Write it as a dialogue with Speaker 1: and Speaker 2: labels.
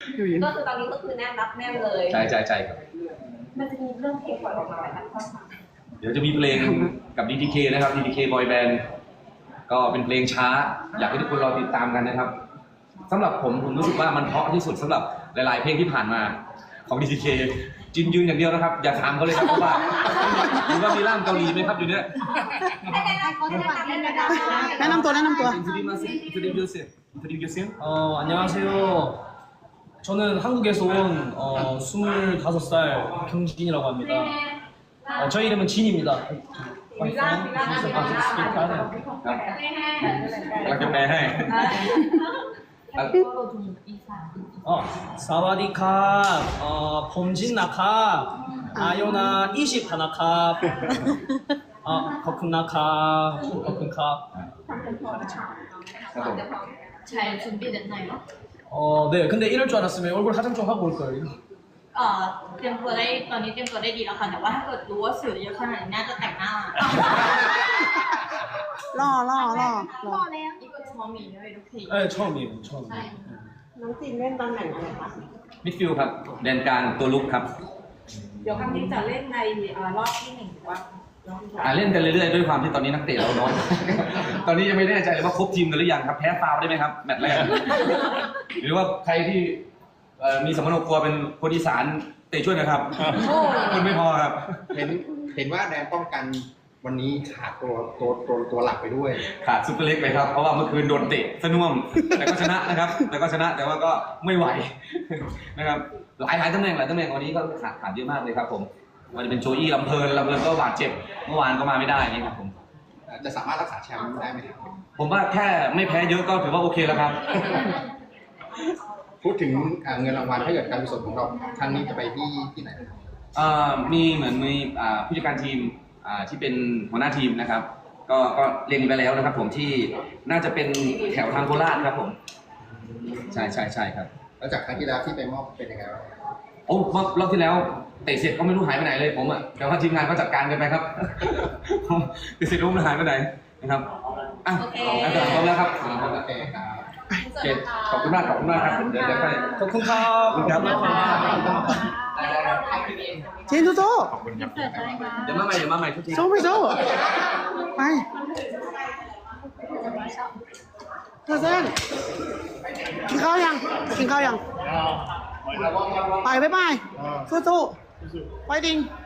Speaker 1: ก็คือตอนนี้ก็คือแน่นรับแน่นเลย
Speaker 2: ใช่ใช่ใช่ครับ
Speaker 1: มันจะมีเรื่องเพลงปล่อยออกมาไหมคะพี่ต้นคะ
Speaker 2: เดี๋ยวจะมีเพลงกับ DTK นะครับ DTK Boy Band ก็เป็นเพลงช้าอยากให้ทุกคนรอติดตามกันนะครับสำหรับผมรู้สึกว่ามันเพราะที่สุดสำหรับหลายๆเพลงที่ผ่านมาของ DTK จินยืนอย่างเดียวนะครับอย่าถามเขาเลยครับเพราะว่าหรือว่ามีร่างเกาหลีไหมครับอยู่เนี่ย
Speaker 3: แนะนำตัว
Speaker 4: 안녕하세요. 저는 한국에서 온 25살 경진이라고 합니다. 저희 이름은 진입니다.
Speaker 1: มีร่างมีร่าง
Speaker 2: เราจะแปลให้
Speaker 4: 사와디캅, 범진나캅, 아요나 21캅, 거쿤나캅, 거쿤캅.
Speaker 2: ครับผม
Speaker 5: 잘 준비됐나요?
Speaker 4: 네. 근데 이럴 줄 알았으면 얼굴 화장 좀 하고 올 거예요.
Speaker 5: เตรียมตัวได้ตอนนี้เตรียมตัวได้ดีแล้วค่ะแต่ว่าถ้าเกิดรู้ว่าสื่อเยอะขนาดนี้น่าจะแต่งหน้า
Speaker 3: ล่อ
Speaker 5: แล้วอีกก็ชอมีด้วยทุกที
Speaker 4: 네, 처음이에요. 처음.
Speaker 1: น้องจีนเล่นตำแหน่งอะไรคะ
Speaker 2: มิดฟิลด์ครับแดนกลางตัวลุกครับ
Speaker 1: เดี๋ยวครั้งนี้จะเล่นในรอบที่หนึ่งหรือว่า
Speaker 2: เล่นกันเรื่อยๆด้วยความที่ตอนนี้นักเตะเราน้อย ตอนนี้ยังไม่แน่ใจเลยว่าครบทีมกันหรือยังครับแพ้ฟาวได้ไหมครับแมตช์แรก หรือว่าใครที่มีสมรรถกลัวเป็นคนอีสานเตะช่วยนะครับคนไม่พอครับ
Speaker 6: เห็นว่าแดนป้องกันวันนี้ขาดตัวหลักไปด้วย
Speaker 2: ขาดซุปเปอร์เล็กไปครับเพราะว่าเมื่อคืนโดนเตะสน่วมแต่ก็ชนะนะครับแต่ว่าก็ไม่ไหว นะครับหลายตำแหน่งวันนี้ก็ขาดเยอะมากเลยครับผมมันจะเป็นโจอี้ลำเพลินก็บาดเจ็บเมื่อวานก็มาไม่ได้นี่ครับผม
Speaker 6: จะสามารถรักษาแชมป์ได้ไหมครับ
Speaker 2: ผมว่าแค่ไม่แพ้เยอะก็ถือว่าโอเคแล้วครับ
Speaker 6: พูดถึงเงินรางวัลถ้าเกิดการกุศลของเราครั้งนี้จะไปที่ไหนครับ
Speaker 2: มีเหมือนมีผู้จัดการทีมที่เป็นหัวหน้าทีมนะครับก็เล็งไปแล้วนะครับผมที่น่าจะเป็นแถวทางโคราชครับผมใช่ครับ
Speaker 6: แล้วจากครั้งที่แล้วที่ไปมอบเป็นยังไงบ้าง
Speaker 2: โอ้รอบที่แล้วเตะเสร็จก็ไม่รู้หายไปไหนเลยผมอ่ะแต่ว่าทีมงานก็จัดการกันไปครับ เตะเสร็จรู้มันหายไปไหนนะครับโอเคพร้อมแล้วครับ
Speaker 6: โอเคครับ
Speaker 2: ขอบคุณมากครับเดี๋ยวไป
Speaker 4: 거쿤캅.
Speaker 2: ครับ
Speaker 3: เจนสู้
Speaker 2: เดี๋ยวมาใหม่ทุกที
Speaker 3: สู้ไปสู้ไปเธอเส้นกินข้าวยังไปสู้ๆไปดิง